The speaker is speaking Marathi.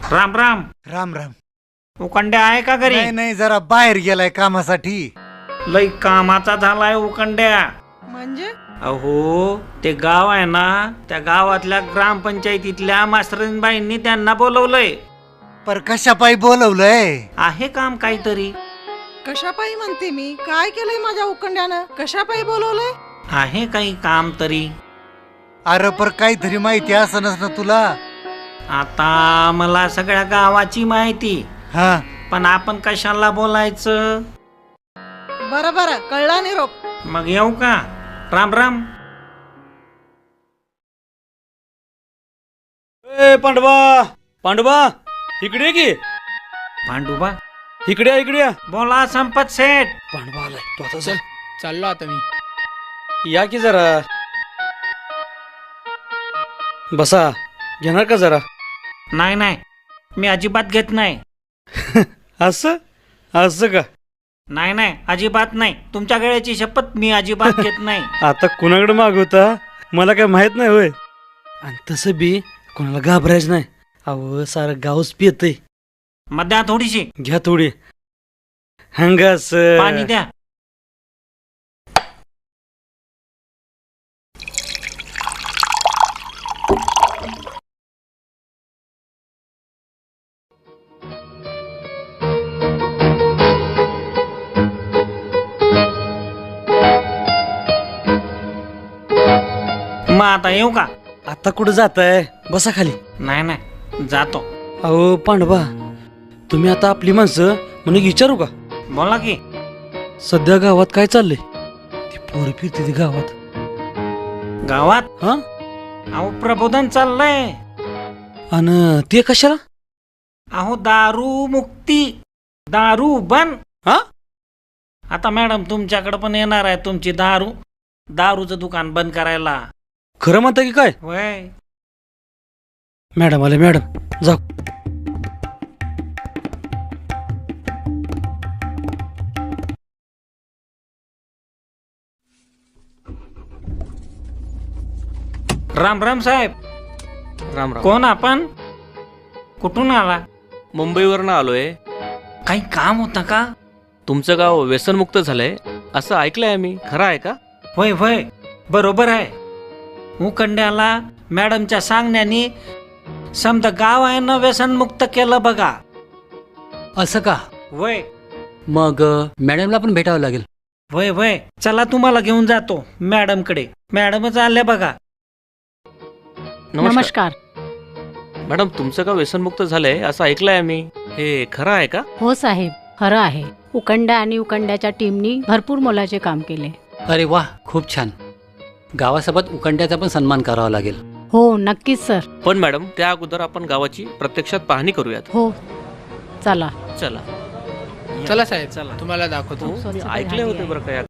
राम राम. राम राम. उकंड्या आहे का घरी? नाही नाही, जरा बाहेर गेलाय कामासाठी. लई कामाचा झालाय उकंड्या. म्हणजे अहो ते गाव आहे ना, त्या गावातल्या ग्रामपंचायतीतल्या मास्तरीनबाईंनी त्यांना बोलवलंय. पर कशापायी बोलवलंय? आहे काम काहीतरी. कशापायी म्हणते मी? काय केलंय माझ्या उकंड्यानं? कशापायी बोलवलंय? आहे काही काम तरी. अरे पर काहीतरी माहिती असनच ना तुला. आता मला सगळ्या गावाची माहिती, हा, पण आपण कशाला बोलायचं? बरं बरं, कळला निरोप. मग येऊ का? राम राम. पांडवा पांडवा इकडे ये की. पांडुबा इकडे इकडे बोला संपत सेठ. पांडवा आलाय तू आता चल चाललो आता मी. या की जरा बसा. घेणार का जरा? नाही नाही, मी अजिबात घेत नाही. असं असं का? नाही नाही, अजिबात नाही. तुमच्या गळ्याची शपथ, मी अजिबात घेत नाही. आता कुणाकडे मागवता मला काय माहित नाही होय. आणि तसं बी कोणाला घाबरायचं नाही. अहो सारं गावच पियतय. मग द्या थोडीशी. घ्या थोडी. हंगास पाणी द्या. मग आता येऊ का? आता कुठं जाताय? बसा खाली. नाही नाही, जातो. अहो पांडवा, तुम्ही आता आपली माणसं म्हणून विचारू का? बोला की. सध्या गावात काय चाललंय? ती पोरी फिरते ती गावात. गावात हा? अहो प्रबोधन चाललंय. आणि ते कशाला? अहो दारू मुक्ती, दारू बंद. हा? आता मॅडम तुमच्याकडे पण येणार आहे तुमची दारूचं दुकान बंद करायला. खरं म्हणता की काय? वय मॅडम आले मॅडम. जा. राम राम साहेब. राम राम. कोण आपण? कुठून आला? मुंबईवरनं आलोय. काही काम होतं का? तुमचं गाव व्यसनमुक्त झालंय असं ऐकलंय आम्ही. खरं आहे का? होय होय, बरोबर आहे. उकंड्याला मॅडमच्या सांगण्याने समजा गाव आहे ना व्यसनमुक्त केलं बघा. असं का? वय मग मॅडमला पण भेटावं लागेल. वय वय, चला तुम्हाला घेऊन जातो मॅडमकडे. मॅडमच आल्या बघा. नमस्कार मॅडम. तुमचं गाव व्यसनमुक्त झालंय असं ऐकलंय आम्ही. हे खरं आहे का? हो साहेब, खरं आहे. उकंड्या आणि उकंड्याच्या टीमनी भरपूर मोलाचे काम केले. अरे वा, खूप छान. गावासोबत उकंड्याचा पण सन्मान करावा लागेल. हो नक्कीच सर. पण मॅडम त्या अगोदर आपण गावाची प्रत्यक्षात पाहणी करूयात. हो चला. चला. चला साहेब, चला. तुम्हाला दाखवतो. ऐकले होते बरं का या